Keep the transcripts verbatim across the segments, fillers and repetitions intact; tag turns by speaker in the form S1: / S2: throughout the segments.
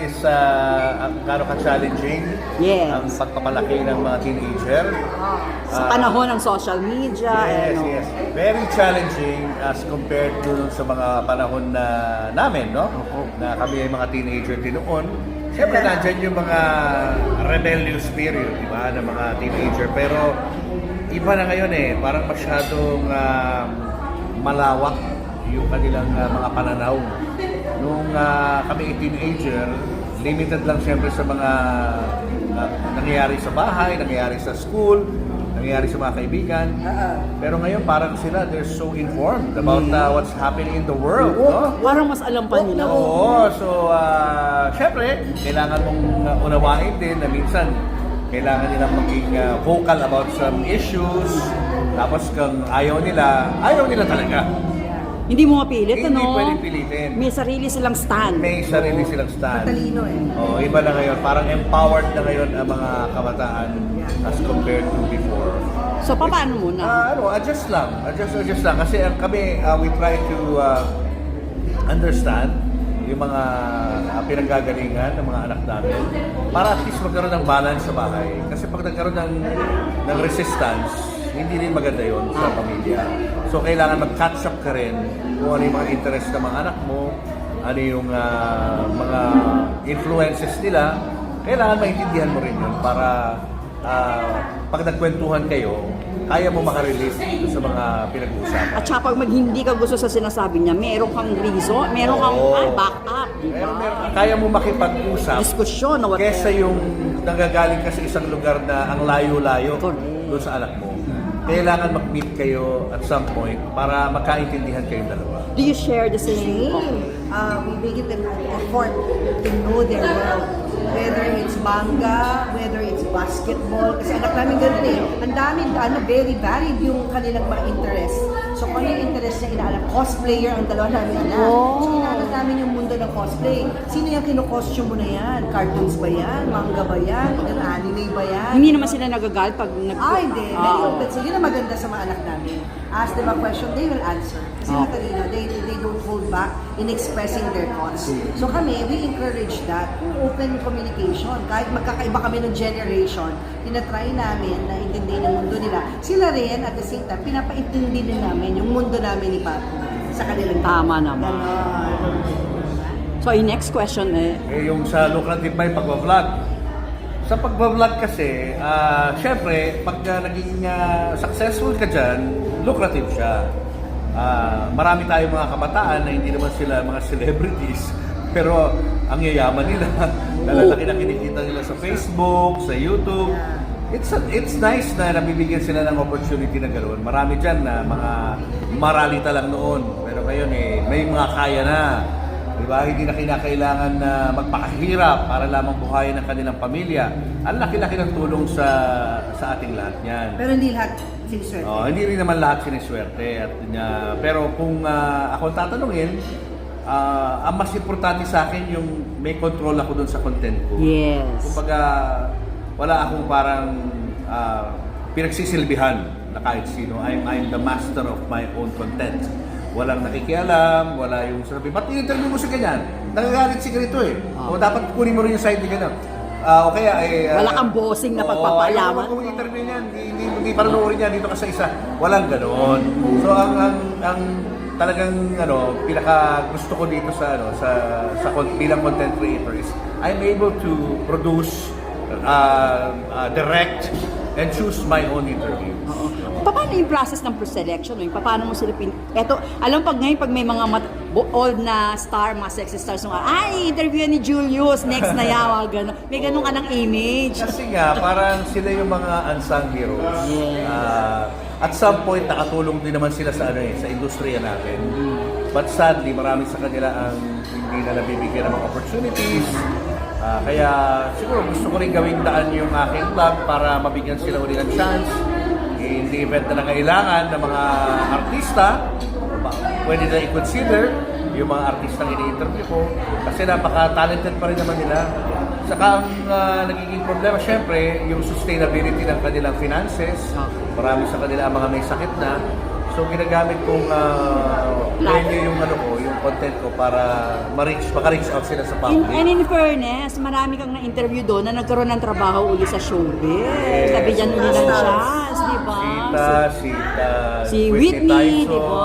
S1: is uh, ang gaano ka-challenging
S2: Yes.
S1: ang pagpapalaki ng mga teenager.
S2: Sa panahon ng social media.
S1: Yes,
S2: ano.
S1: yes. Very challenging as compared to sa mga panahon na namin, no? Na kami ay mga teenager din noon. Siyempre, nandyan yung mga rebellious period, di ba, ng mga teenager. Pero iba na ngayon eh, parang masyadong uh, malawak yung kanilang uh, mga pananaw. Nung uh, kami ay teenager, limited lang siyempre sa mga uh, nangyayari sa bahay, nangyayari sa school, nangyayari sa mga kaibigan. Pero ngayon parang sila, they're so informed about uh, what's happening in the world. No?
S2: Parang mas alam pa nila.
S1: Oo, so uh, syempre, kailangan mong uh, unawain din na minsan kailangan nilang maging uh, vocal about some issues. Tapos kung ayaw nila, ayaw nila talaga.
S2: Hindi mo mapilit,
S1: Hindi
S2: ano?
S1: pwedeng pilitin.
S2: May sarili silang stand.
S1: May sarili silang stand.
S3: Matalino eh.
S1: Oh, iba na ngayon. Parang empowered na ngayon ang mga kabataan as compared to before.
S2: So, paano muna?
S1: Ah, ano, adjust lang. Adjust, adjust lang. Kasi ang kami, uh, we try to uh, understand yung mga uh, pinanggagalingan ng mga anak namin para at least magkaroon ng balance sa bahay. Kasi pag nagkaroon ng, ng resistance, hindi rin maganda yon sa pamilya. So, kailangan mag-catch up ka rin kung ano yung mga interest ng mga anak mo, ano yung uh, mga influences nila. Kailangan maintindihan mo rin yun para uh, pag nagkwentuhan kayo, kaya mo makarelate sa mga pinag-uusapan.
S2: At saka pag mag hindi ka gusto sa sinasabi niya, meron kang reason, meron kang
S1: Oo.
S2: ah, back up, di
S1: Meron,
S2: ba?
S1: meron, kaya mo makipag-usap
S2: Diskusyon na whatever.
S1: kesa yung nanggagaling ka sa isang lugar na ang layo-layo
S2: Correct.
S1: doon sa anak mo. Kailangan mag-meet kayo at some point para magkaintindihan kayong dalawa.
S2: Do you share the same?
S3: Same. Uh, we make it an effort to know their world. Whether it's manga, whether it's basketball. Kasi anak namin ganun eh. Ang dami, ano, very varied yung kanilang mga interest. So kung ano yung interest niya inaalam, cosplayer ang dalawa namin anak.
S2: Oh.
S3: So inaalam namin yung mundo ng cosplay. Sino yung kino-costume mo na yan? Cartoons ba yan? Manga ba yan? Ilan anime ba yan?
S2: Hindi naman sila nagagalit pag nag...
S3: Ah, hindi. Very
S2: Ah,
S3: open. So, yun ang maganda sa mga anak namin. Ask them a question, they will answer. Kasi
S2: Ah.
S3: matalino, they, they don't hold back in expressing their thoughts. So kami, we encourage that through open communication. Kahit magkakaiba kami ng generation, tinatry namin na intindihin ang mundo nila. Sila rin, at the same time, pinapaintindi din namin yung mundo namin ni Papi sa kanilang
S2: Tama naman.
S3: Ganon.
S2: So, yung next question eh,
S1: Eh, yung sa lucrative ba yung pag-vlog? Sa pag-vlog kasi, ah, syempre, pag uh, naging uh, successful ka dyan, lucrative siya. Ah, marami tayong mga kabataan na hindi naman sila mga celebrities, pero ang yayaman nila, nalalaki na kinikita nila sa Facebook, sa YouTube. It's a, it's nice na nabibigyan sila ng opportunity na gano'n. Marami dyan na mga maralita lang noon, pero ngayon eh, may mga kaya na. Diba? Hindi na kinakailangan na magpakahirap para lamang buhayin ang kanilang pamilya. Ang laki-laki ng tulong sa sa ating lahat niyan.
S3: Pero hindi lahat siniswerte.
S1: Oh, hindi rin naman lahat siniswerte. At, uh, pero kung uh, ako tatanungin, uh, ang mas importante sa akin yung may control ako dun sa content ko.
S2: yes.
S1: Kumbaga, wala akong parang uh, pinagsisilbihan na kahit sino. I'm, I'm the master of my own content. Walang nakikialam, wala yung sabi, ba't in-interview mo si ganyan? Nagagalit si ganito eh. O dapat kunin mo rin yung side ni ganyan. Ah, o kaya ay... Uh,
S2: Wala kang bossing na pagpapaalaman.
S1: Oo, kung interview niyan, hindi, hindi, hindi panonoorin niya dito ka sa isa. Walang ganoon. So ang, ang, ang talagang ano, pinaka gusto ko dito sa ano sa sa con- bilang content creator is I'm able to produce, uh, uh, direct, and choose my own interviews.
S2: Oo. Paano yung process ng pre-selection? Yung paano mo sila pin... Eto, alam pag ngayon, pag may mga mat- old na star, mga sexy stars, nung, ay, interview ni Julius, next na yawa, gano'n. May ganun ka ng image.
S1: Kasi nga, parang sila yung mga unsung heroes.
S2: Yes.
S1: Ah, at some point, nakatulong din naman sila sa ano eh, sa industriya natin. But sadly, marami sa kanila ang hindi na nabibigyan ng mga opportunities. Ah, kaya siguro gusto ko rin gawing daan yung aking vlog para mabigyan sila uli ng chance. In the event na nangailangan ng mga artista, pwede na i-consider yung mga artistang ini-interview ko kasi napaka-talented pa rin naman nila. Saka ang uh, nagiging problema, syempre, yung sustainability ng kanilang finances. Marami sa kanila ang mga may sakit na. So ginagamit kong uh, mainly yung ano ko, yung content ko para ma-reach, maka-reach out sila sa
S2: In,
S1: public.
S2: and in fairness, marami kang na-interview doon na nagkaroon ng trabaho uli sa showbiz.
S1: Yes.
S2: Sabi dyan uli ng chance, di ba?
S1: Sita, Sita,
S2: Si Whitney, di ba?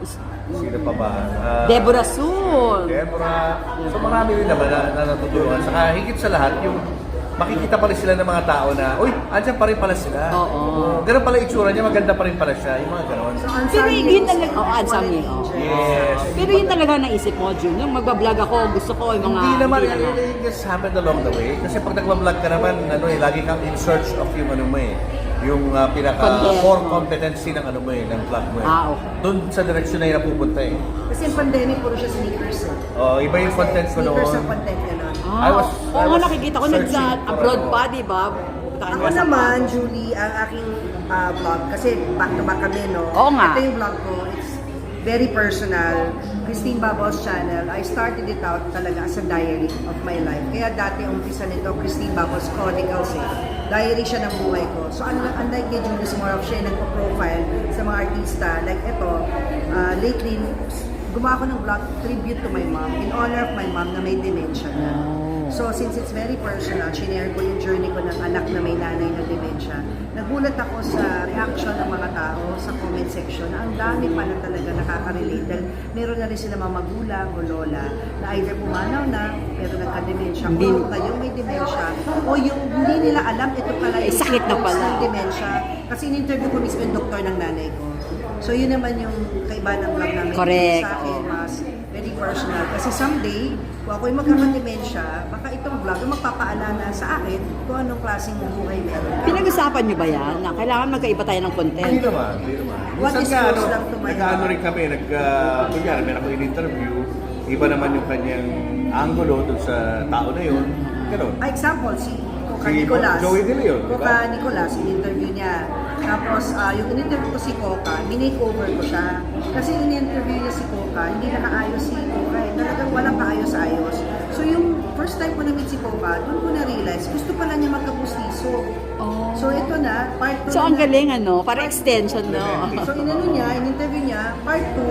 S1: Sino pa ba? Ah,
S2: Deborah Soul.
S1: Deborah. So marami rin naman na, na natutulungan. Saka higit sa lahat, yung makikita pa rin sila ng mga tao na, uy, andyan pa rin pala sila.
S2: Oo.
S1: Ganun pala yung itsura niya, maganda pa rin pala siya. Yung mga ganon.
S3: So,
S2: Pero
S3: unsung
S2: yun
S3: heroes,
S2: talaga, oh,
S3: quality
S2: unsung hero.
S3: angels.
S1: Yes.
S2: Pero yun talaga naisip mo, Jun. Yung magbablog ako, gusto ko yung mga...
S1: Hindi naman,
S2: hindi
S1: it,
S2: naman.
S1: it just happened along the way. Kasi pag nagbablog ka naman, ano eh, lagi kang in search of yung ano mo eh. Yung uh, pinaka
S2: Content
S1: core
S2: mo.
S1: competency ng ano mo eh, ng vlog mo eh.
S2: Ah, okay.
S1: Doon sa direction na yun napupunta eh.
S3: Kasi yung pandemic, puro siya sneakers. eh.
S1: Oh, iba yung content ko
S3: Sneakers ang
S1: noon.
S3: content niya nun.
S2: Ah,
S1: I was-
S2: oo
S1: I
S2: nga,
S1: was
S2: nakikita ko
S1: searching
S2: nag-abroad
S1: for
S2: pa,
S1: ano.
S2: di ba? Pupunta ka
S3: Ako
S2: nga sa-
S3: naman, Julie, ang aking ah, vlog, kasi back to back kami, no?
S2: Oo nga.
S3: Ito yung vlog ko, it's very personal. Christine Babos channel, I started it out talaga as a diary of my life. Kaya dati umpisa nito, Christine Babos Chronicles eh. Diary siya ng buhay ko. So unlike, unlike kay Julius More of siya nagpo-profile sa mga artista, like ito, ah, lately, gumawa ko ng vlog tribute to my mom, in honor of my mom na may dementia na. So, since it's very personal, shinare ko yung journey ko ng anak na may nanay na dementia. Nagulat ako sa reaction ng mga tao sa comment section na ang dami pa na talaga nakaka-relate dahil meron na rin sila mga magulang o lola na either pumanaw na pero nagka-dementia
S2: Hindi.
S3: o kayong may dementia o yung hindi nila alam ito pala
S2: Eh,
S3: yung
S2: sakit na
S3: symptoms
S2: pala.
S3: ng dementia. Kasi in-interview ko mismo yung doktor ng nanay ko. So, yun naman yung kaiba ng vlog namin.
S2: Correct.
S3: Sa akin, mas very personal. Kasi someday, kung ako'y magkaka-dementia, baka itong vlog yung magpapaalala sa akin kung anong klaseng buhay meron.
S2: Pinag-usapan niyo ba yan? Na kailangan magkaiba tayo ng content?
S1: Hindi naman, hindi naman.
S3: What
S1: Minsan
S3: is
S1: nga,
S3: close
S1: ano,
S3: lang to my
S1: nag-ano
S3: heart?
S1: rin kami, nag, uh, kunyari, meron ako in-interview, iba naman yung kanyang angulo dun sa tao na yun. Ganun.
S3: Ah, example, si Coca
S1: Si
S3: Nicolas.
S1: Joey De Leon, di ba?
S3: Coca Nicolas, in-interview niya. Tapos, ah, yung in-interview ko si Coca, minake-over ko siya. Kasi in-interview niya si Coca, hindi nakaayos si Coca. Eh. Talagang walang kaayos-ayos. So, yung first time ko na-meet si Coca, doon ko na-realize, gusto pala niya magkapustiso.
S2: Oh.
S3: So, ito na, part two.
S2: So, ang
S3: na-
S2: galing, ano? Para extension, no?
S3: So, inano niya, in-interview niya, part two,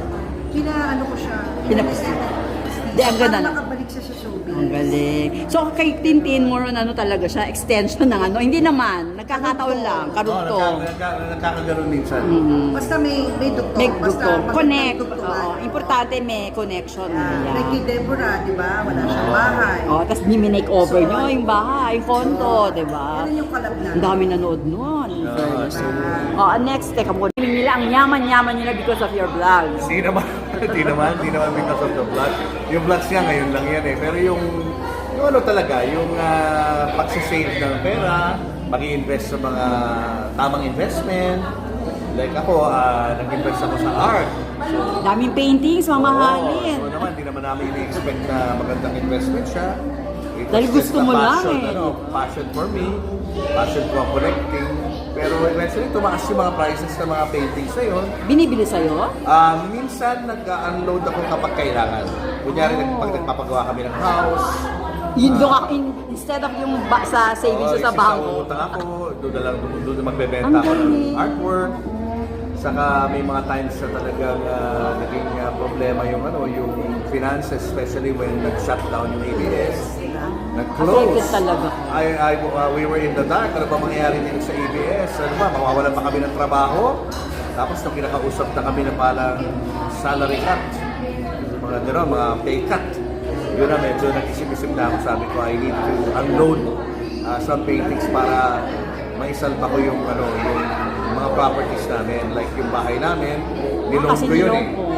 S3: pina-ano ko siya.
S2: Pina- Di, ang ganda na.
S3: Para makabalik siya sa showbiz.
S2: Ang galing. So, kay Tintin, more on ano talaga siya, extension ng ano. Hindi naman, nagkakataon lang,
S1: Oo,
S2: karugtong.
S1: nagka- nagka- nagkakaganon minsan.
S2: Mm.
S3: Basta may may dugtong.
S2: May
S3: Basta
S2: dugtong.
S3: pag-
S2: Connect.
S3: magdugtungan.
S2: Oo, importante may connection.
S3: Yeah.
S2: Ayan.
S3: Like kay Deborah, di ba? Wala siyang bahay.
S2: Oh, tapos ni-make over
S3: So,
S2: nyo yung bahay, yung konto, di ba?
S3: Yan yung collab na.
S2: Ang dami nanood nun. in
S1: Oo,
S2: fairness.
S1: so,
S2: Oh, next, teka muna. Feeling nila, ang yaman-yaman nila because of your vlogs.
S1: Hindi naman, hindi naman, hindi naman because of the vlog. Yung vlogs niya ngayon lang yan eh. Pero yung, yung ano talaga, yung uh, pagsisave ng pera, mag-i-invest sa mga tamang investment. Like ako, ah, nag-invest ako sa art. So,
S2: Daming paintings, mamahalin.
S1: Oo, so naman, hindi naman namin ini-expect na magandang investment siya. It was
S2: Dahil
S1: just
S2: gusto
S1: a
S2: mo lang
S1: passion,
S2: eh.
S1: Ano, passion for me, passion ko ang collecting. Pero eventually, tumaas yung mga prices ng mga paintings na yun.
S2: Binibili sa'yo?
S1: Ah, minsan nag-unload ako kapag kailangan. Kunyari,
S2: Oh.
S1: nag- pag nagpapagawa kami ng house,
S2: Yun doon ako, in, instead of yung ba, sa savings
S1: oh,
S2: sa
S1: isa
S2: bangko.
S1: utang ako, doon na lang, doon, doon na magbebenta
S2: Ang
S1: ako ng
S2: galing.
S1: artwork. Saka may mga times na talagang ah, naging ah, problema yung ano, yung finances, especially when nag-shut down yung A B S. Nag-close.
S2: Affected talaga.
S1: I, I, uh, we were in the dark. Ano ba mangyayari dito sa A B S? Ano ba, mawawalan pa kami ng trabaho? Tapos nung kinakausap na kami na palang salary cut, mga gano'n, mga pay cut, yun na medyo nag-isip-isip na ako. Sabi ko, I need to unload uh, some paintings para maisalba ko yung, ano, yung mga properties namin. Like yung bahay namin, niloan
S2: Kasi
S1: ko yun eh.
S2: nilong ko.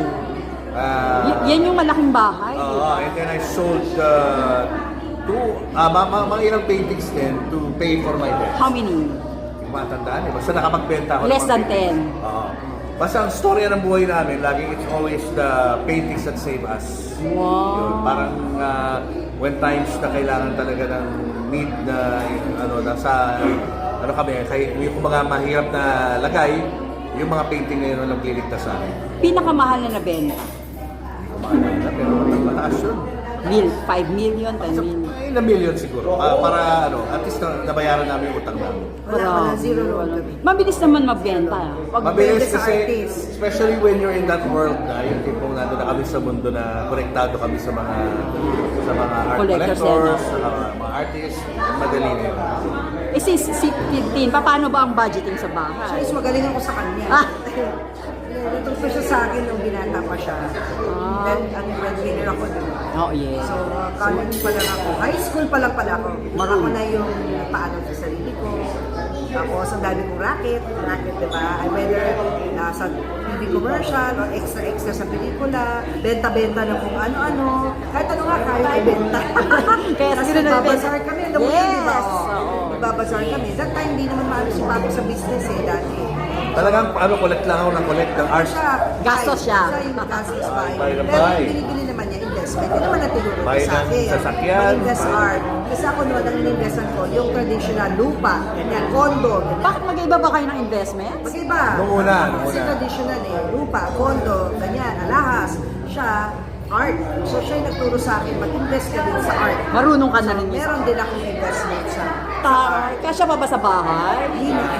S1: Ah,
S2: Y- yan yung malaking bahay.
S1: Oo, and then I sold uh, two, ah, mga, mga, mga ilang paintings din to pay for my debt.
S2: How many?
S1: Hindi ko matandaan eh. Basta nakapagbenta ako. ng
S2: Less
S1: mga
S2: than
S1: paintings.
S2: ten.
S1: Oo. Basta ang storya ng buhay namin, laging it's always the paintings that save us. Yun,
S2: Wow.
S1: parang uh, when times na kailangan talaga ng need na, ano, nasa, ano kami, kay, yung mga mahirap na lagay, yung mga painting na yun ang nagliligtas sa amin.
S2: Pinakamahal na nabenta.
S1: Hindi ko maalala, pero mataas yun.
S2: Mil, five million, ten
S1: So,
S2: million.
S1: eh, in a million siguro. Pa- para ano, at least na, nabayaran namin yung utang namin.
S3: Wala, wala, zero loan
S2: wala.
S3: kami.
S2: Mabilis naman magbenta. Pag
S1: Mabilis
S3: sa
S1: kasi,
S3: artist.
S1: especially when you're in that world na yung tipong nandun na kami sa mundo na konektado kami sa mga sa mga art
S2: Collectors
S1: collectors,
S2: yan,
S1: sa mga, mga artists, madali na yun.
S2: eh si, si fifteen, paano ba ang budgeting sa
S3: Siya
S2: bahay?
S3: is magaling ako sa kanya.
S2: Ah.
S3: Natuto siya sa akin nung binata pa siya.
S2: Ah.
S3: Then, ang breadwinner ako din.
S2: Oh, yeah.
S3: So, uh, college pa lang ako. High school pa lang pala ako. Ako na yung paano sa sarili ko. Tapos, ang dami kong racket. Racket, di ba? I whether nasa T V commercial or extra-extra sa pelikula. Benta-benta ng kung ano-ano. Kahit ano nga, kaya ibenta.
S2: Kaya
S3: Tapos,
S2: siguro na-
S3: nagbabazar kami. Alam mo yun, di ba?
S2: Yes!
S3: Oo.
S2: Oo.
S3: Nagbabazar kami. That time, hindi naman maano si Papa sa business eh, dati.
S1: Talagang ano, collect lang ako ng collect ng art.
S3: Siya,
S2: Gastos
S3: buy.
S2: siya.
S3: Siya yung gastos buy.
S1: Buy na
S3: Pero
S1: buy.
S3: yung binibili naman niya, investment. Yun naman ang tinuro
S1: Buy
S3: ko sa
S1: ng
S3: akin.
S1: sasakyan,
S3: Mag-invest
S1: buy-
S3: art. Kasi ako naman, ang in-investan ko, yung traditional lupa, ganyan, condo, ganyan.
S2: Bakit mag-iba ba kayo ng investments?
S3: Mag-iba.
S1: Nung una, nung
S3: Kasi
S1: una.
S3: traditional eh, lupa, condo, ganyan, alahas. Siya, art. So siya yung nagturo sa akin, mag-invest ka din sa art.
S2: Marunong ka na rin yun.
S3: Meron din akong investment sa
S2: Ta- Kasya pa ba sa bahay?
S3: Hindi na.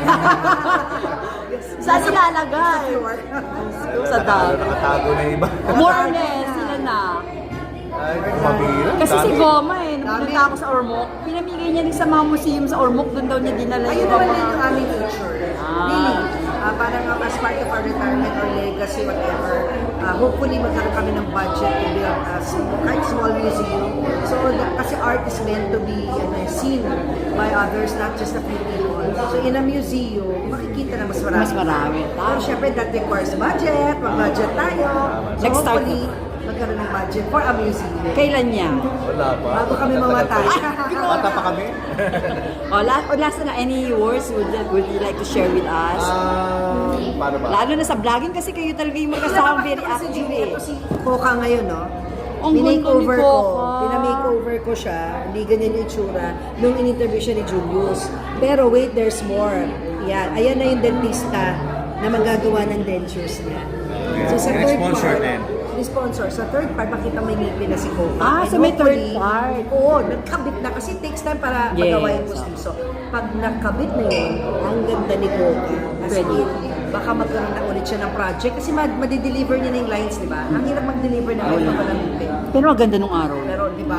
S2: Saan nilalagay?
S3: Floor.
S2: Sa dami.
S1: Nakatago na iba.
S2: More or less, sila na.
S1: Ay, mabira.
S2: Kasi si
S1: Dami.
S2: Goma eh, nung
S3: Dami.
S2: pinunta ako sa Ormoc, pinamigay niya din sa mga museum sa Ormoc, doon daw niya dinala
S3: Ayun
S2: yung
S3: naman
S2: mga...
S3: din yung aming future.
S2: Ah.
S3: Really. Ah, parang uh, as part of our retirement or legacy, whatever, ah, hopefully magkaroon kami ng budget to build a small, kahit small museum. So, the- kasi art is meant to be ano, seen by others, not just a few people. So, in a museum, makikita na mas marami.
S2: Mas marami.
S3: Pero syempre, that requires budget. Mag-budget tayo. So,
S2: Next start
S3: hopefully, magkaroon ng budget for a museum.
S2: Kailan niya?
S1: Wala pa.
S3: Bago kami mamatay.
S1: Bata pa kami?
S2: O, last, o last na, any words would, would you like to share with us?
S1: Ah, paano ba?
S2: Lalo na sa vlogging kasi kayo talaga yung magkasama very
S3: Kasi
S2: active
S3: Julie,
S2: eh.
S3: ito si Coca ngayon, no?
S2: Ang ganda
S3: Pinake-over
S2: ni
S3: ko.
S2: Coca.
S3: Pinamake-over ko siya. Hindi ganyan yung itsura. Nung in-interview siya ni Julius. Pero wait, there's more. Yan. Ayan na yung dentista na magagawa ng dentures niya. So sa
S1: And
S3: third
S1: sponsor
S3: part,
S1: din.
S3: ni sponsor. Sa third part, makita may ngipin na si Coca.
S2: Ah,
S3: And
S2: so may third
S3: hopefully-
S2: part.
S3: Oo, nagkabit na. Kasi it takes time para
S2: Yes.
S3: magawa yung postiso. Pag nakabit na yun, ang ganda ni Coca. As
S2: Pwede.
S3: in, baka magkaroon na ulit siya ng project. Kasi mad- madideliver niya na yung lines, di ba? Ang hirap mag-deliver ng ganito pa ng ngipin.
S2: Pero ang ganda nung araw.
S3: Pero, di ba?